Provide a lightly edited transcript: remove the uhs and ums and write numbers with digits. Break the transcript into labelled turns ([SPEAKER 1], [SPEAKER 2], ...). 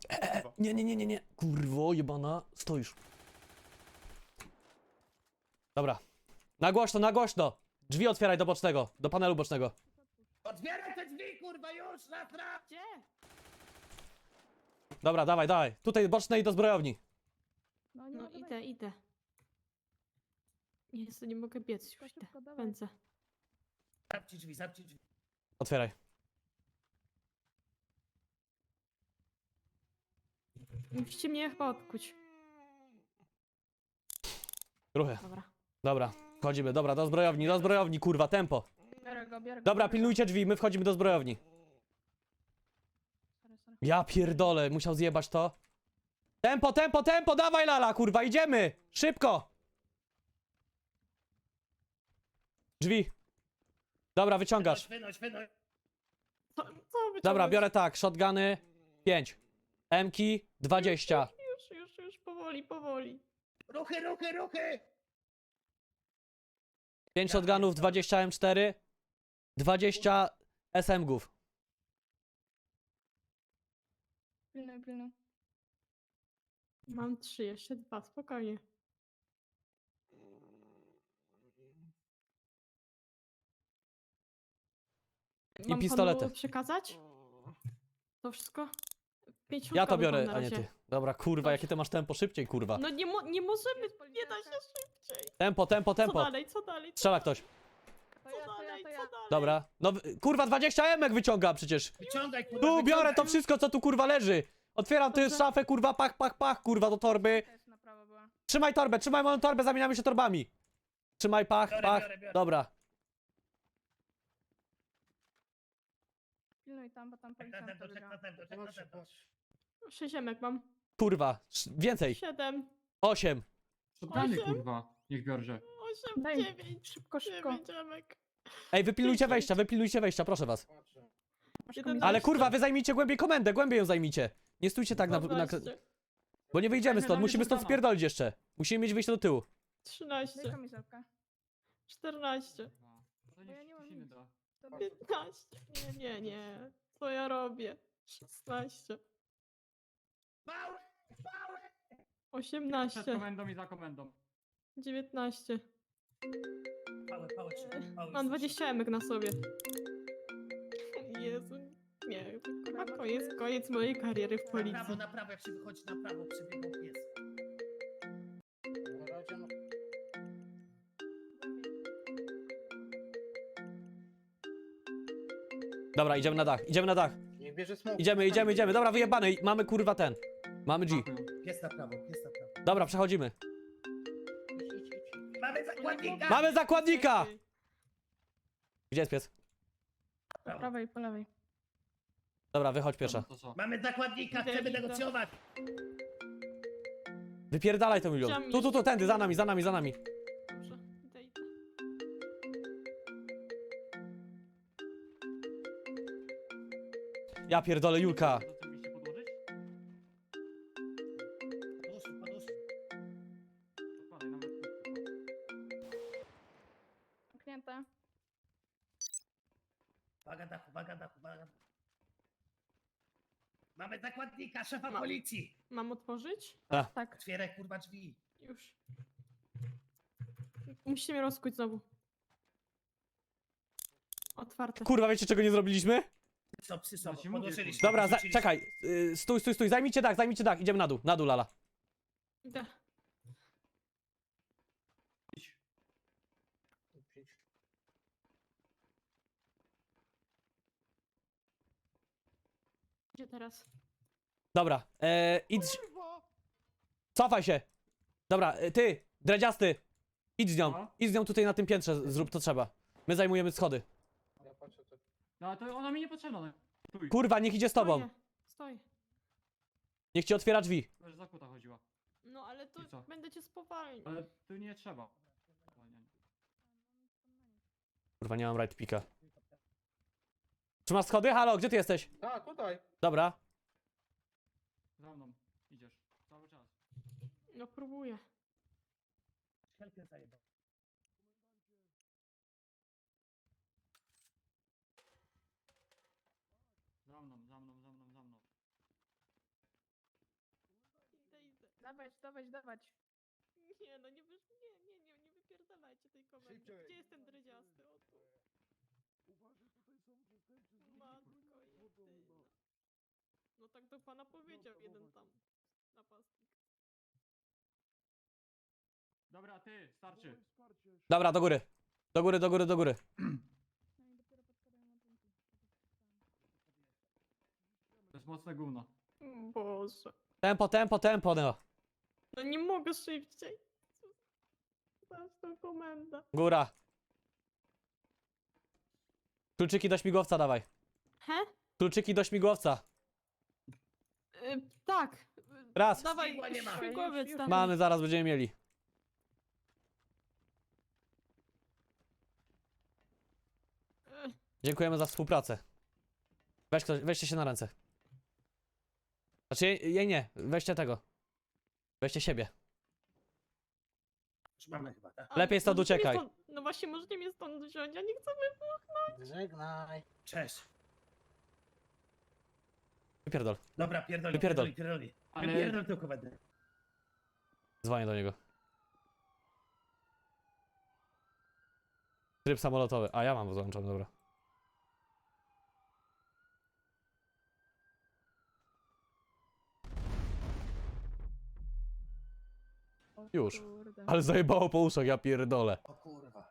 [SPEAKER 1] Nie. Kurwo, jebana. Stoisz. Dobra. Na głośno. Drzwi otwieraj do bocznego, do panelu bocznego.
[SPEAKER 2] Otwieraj te drzwi, kurwa, już, raz!
[SPEAKER 3] Gdzie?
[SPEAKER 1] Dobra, dawaj. Tutaj boczne i do zbrojowni.
[SPEAKER 3] No idę. Jezu, nie mogę biec, już idę. Pędzę.
[SPEAKER 2] Zamknij drzwi.
[SPEAKER 1] Otwieraj.
[SPEAKER 3] Musicie mnie chyba odkuć.
[SPEAKER 1] Ruchy.
[SPEAKER 3] Dobra.
[SPEAKER 1] Wchodzimy, dobra, do zbrojowni, kurwa, tempo.
[SPEAKER 3] Biorę go.
[SPEAKER 1] Dobra, pilnujcie drzwi, my wchodzimy do zbrojowni.
[SPEAKER 3] Sorry.
[SPEAKER 1] Ja pierdolę, musiał zjebać to. Tempo, dawaj lala, kurwa, idziemy! Szybko! Drzwi. Dobra, wyciągasz.
[SPEAKER 2] Wynoś.
[SPEAKER 3] Co wyciągnąć?
[SPEAKER 1] Dobra, biorę tak, shotguny 5. M-ki 20.
[SPEAKER 3] Już, powoli.
[SPEAKER 2] Ruchy!
[SPEAKER 1] 5 shotgunów, 20 M4, 20 SMG-ów.
[SPEAKER 3] Pilnuj. Mam 3, jeszcze 2, spokojnie.
[SPEAKER 1] I
[SPEAKER 3] Mam
[SPEAKER 1] pistolety.
[SPEAKER 3] panu przekazać? To wszystko? 5
[SPEAKER 1] Ja to
[SPEAKER 3] środkowych mam
[SPEAKER 1] biorę,
[SPEAKER 3] na
[SPEAKER 1] a nie
[SPEAKER 3] razie.
[SPEAKER 1] ty. Dobra, kurwa, jakie ty masz tempo, szybciej, kurwa.
[SPEAKER 3] No nie możemy, nie da się szybciej.
[SPEAKER 1] Tempo.
[SPEAKER 3] Co dalej?
[SPEAKER 1] Strzela ktoś.
[SPEAKER 3] Co dalej?
[SPEAKER 1] Dobra. No, kurwa, 20 emek wyciąga przecież.
[SPEAKER 2] Wyciągaj, kurwa,
[SPEAKER 1] Tu biorę
[SPEAKER 2] wyciągaj.
[SPEAKER 1] to wszystko, co tu, kurwa, leży. Otwieram tu
[SPEAKER 3] Dobrze.
[SPEAKER 1] szafę, kurwa, pach, kurwa, do torby.
[SPEAKER 3] Też na prawo była.
[SPEAKER 1] Trzymaj moją torbę, zamieniamy się torbami. Trzymaj, pach.
[SPEAKER 2] Biorę.
[SPEAKER 1] Dobra.
[SPEAKER 3] Pilnuj tam, bo tam
[SPEAKER 2] Czek na tempo.
[SPEAKER 3] 6 emek mam.
[SPEAKER 1] Kurwa, więcej.
[SPEAKER 3] 7,
[SPEAKER 1] 8.
[SPEAKER 4] Shotguny,
[SPEAKER 3] Osiem.
[SPEAKER 4] kurwa, niech biorże.
[SPEAKER 3] 8,
[SPEAKER 5] Daj mi.
[SPEAKER 3] 9.
[SPEAKER 5] Szybko.
[SPEAKER 3] 9 emek.
[SPEAKER 1] Ej, wypilnujcie wejścia, proszę was.
[SPEAKER 3] Jeden
[SPEAKER 1] Ale
[SPEAKER 3] na
[SPEAKER 1] kurwa, wy zajmijcie głębiej komendę, głębiej ją zajmijcie. Nie stójcie tak na...
[SPEAKER 3] 12,
[SPEAKER 1] Bo nie wyjdziemy
[SPEAKER 4] Dajmy
[SPEAKER 1] stąd,
[SPEAKER 4] na
[SPEAKER 1] musimy stąd
[SPEAKER 4] shotguna.
[SPEAKER 1] spierdolić jeszcze. Musimy mieć wyjście do tyłu.
[SPEAKER 3] 13, 14,
[SPEAKER 4] To
[SPEAKER 5] Bo ja
[SPEAKER 4] niech
[SPEAKER 5] nie mam
[SPEAKER 4] ktoś inny
[SPEAKER 5] nic.
[SPEAKER 4] da.
[SPEAKER 3] 15. Nie. Co ja robię? 16,
[SPEAKER 2] Mały!
[SPEAKER 3] 18,
[SPEAKER 4] Przed komendą i za komendą.
[SPEAKER 3] 19.
[SPEAKER 2] Pały.
[SPEAKER 3] Mam 20 emek na sobie. Jezu. Nie, to chyba koniec mojej kariery w policji.
[SPEAKER 2] Na prawo, jak się wychodzi na prawo, przebiegał pies.
[SPEAKER 1] Dobra, idziemy na dach.
[SPEAKER 6] Niech bierze smoke.
[SPEAKER 1] Idziemy. Dobra, wyjebany. Mamy kurwa ten. Mamy G.
[SPEAKER 4] Dziękuję.
[SPEAKER 2] Pies na prawo.
[SPEAKER 1] Dobra, przechodzimy.
[SPEAKER 2] Mamy zakładnika!
[SPEAKER 1] Mamy zakładnika! Gdzie jest pies?
[SPEAKER 3] Po prawej, po lewej.
[SPEAKER 1] Dobra, wychodź pierwsza.
[SPEAKER 4] To co?
[SPEAKER 2] Mamy zakładnika,
[SPEAKER 3] Idę,
[SPEAKER 2] chcemy
[SPEAKER 3] idę.
[SPEAKER 2] negocjować!
[SPEAKER 1] Wypierdalaj to milion.
[SPEAKER 3] Chciałam
[SPEAKER 1] Tu, tędy, za nami.
[SPEAKER 3] Dobrze, idę.
[SPEAKER 1] Ja pierdolę, Julka.
[SPEAKER 4] To co mieliście podłożyć?
[SPEAKER 2] Podłóż.
[SPEAKER 4] Odkładaj, nawet tu, kurwa.
[SPEAKER 5] Zamknięte.
[SPEAKER 2] Waga dachu. Mamy zakładnika, szefa
[SPEAKER 3] Mam.
[SPEAKER 2] policji!
[SPEAKER 3] Mam otworzyć?
[SPEAKER 5] Tak.
[SPEAKER 2] Otwieraj, kurwa, drzwi.
[SPEAKER 3] Już. Musicie mnie rozkuć znowu. Otwarte.
[SPEAKER 1] Kurwa, wiecie czego nie zrobiliśmy?
[SPEAKER 2] Psy są,
[SPEAKER 4] No ci mówię,
[SPEAKER 2] podłożyliśmy.
[SPEAKER 1] Dobra,
[SPEAKER 2] podrzuciliśmy.
[SPEAKER 1] czekaj. Stój. Zajmijcie dach. Idziemy na dół, lala.
[SPEAKER 3] Idę.
[SPEAKER 4] Idź.
[SPEAKER 3] Gdzie teraz?
[SPEAKER 1] Dobra, idź. Cofaj się. Dobra, ty, dredziasty. Idź z nią.
[SPEAKER 4] No.
[SPEAKER 1] Idź z nią tutaj na tym piętrze, zrób to trzeba. My zajmujemy schody.
[SPEAKER 6] Ja patrzę, co...
[SPEAKER 4] No to ona mi nie potrzebna. No. Stój.
[SPEAKER 1] Kurwa, niech idzie z tobą.
[SPEAKER 3] Stoj.
[SPEAKER 1] Niech ci otwiera drzwi.
[SPEAKER 4] Że za kuta chodziła.
[SPEAKER 3] No ale to
[SPEAKER 4] I co?
[SPEAKER 3] będę cię spowalniał.
[SPEAKER 4] Ale tu nie trzeba.
[SPEAKER 1] Kurwa, nie mam right pika. Trzymasz schody? Halo, gdzie ty jesteś?
[SPEAKER 6] A, tutaj.
[SPEAKER 1] Dobra.
[SPEAKER 4] Za mną. Idziesz. Cały czas.
[SPEAKER 3] No próbuję.
[SPEAKER 2] Helkę zajebał.
[SPEAKER 4] Za mną.
[SPEAKER 5] Dawać.
[SPEAKER 3] Nie, no nie wypierdalajcie tej komendy.
[SPEAKER 6] Szybciej.
[SPEAKER 3] Gdzie jest ten dredziasty? O tu. Matko jedyna. No tak do pana powiedział jeden tam napastnik.
[SPEAKER 4] Dobra, ty, starczy.
[SPEAKER 1] Dobra, do góry. Do góry, do góry, do góry.
[SPEAKER 5] No i dopiero podkładają na punkty.
[SPEAKER 4] To jest mocne gówno.
[SPEAKER 3] Boże.
[SPEAKER 1] Tempo, no.
[SPEAKER 3] No nie mogę szybciej. Zaś tą komendę.
[SPEAKER 1] Góra. Kluczyki do śmigłowca dawaj.
[SPEAKER 3] He?
[SPEAKER 1] Kluczyki do śmigłowca.
[SPEAKER 3] Tak.
[SPEAKER 1] Raz.
[SPEAKER 3] Dawaj,
[SPEAKER 2] Śmigła nie ma.
[SPEAKER 3] śmigłowiec tam.
[SPEAKER 1] Mamy, zaraz będziemy mieli. Dziękujemy za współpracę. Weźcie się na ręce. Znaczy, jej nie. Weźcie tego. Weźcie siebie.
[SPEAKER 2] Już mamy chyba, tak?
[SPEAKER 3] Ale
[SPEAKER 1] Lepiej stąd
[SPEAKER 3] możecie mnie
[SPEAKER 1] uciekaj.
[SPEAKER 3] No właśnie, możecie mnie stąd wziąć, ja nie chcę
[SPEAKER 6] Żegnaj.
[SPEAKER 2] Cześć.
[SPEAKER 1] Wypierdol.
[SPEAKER 2] Dobra, pierdoli.
[SPEAKER 1] Wypierdol.
[SPEAKER 2] Pierdoli.
[SPEAKER 4] Ale-
[SPEAKER 2] Wypierdol tą komendę.
[SPEAKER 1] Dzwonię do niego. Tryb samolotowy. A ja mam załączony, dobra. Już.
[SPEAKER 3] Kurde.
[SPEAKER 1] Ale zajebało po uszach, ja pierdolę.
[SPEAKER 2] O kurwa.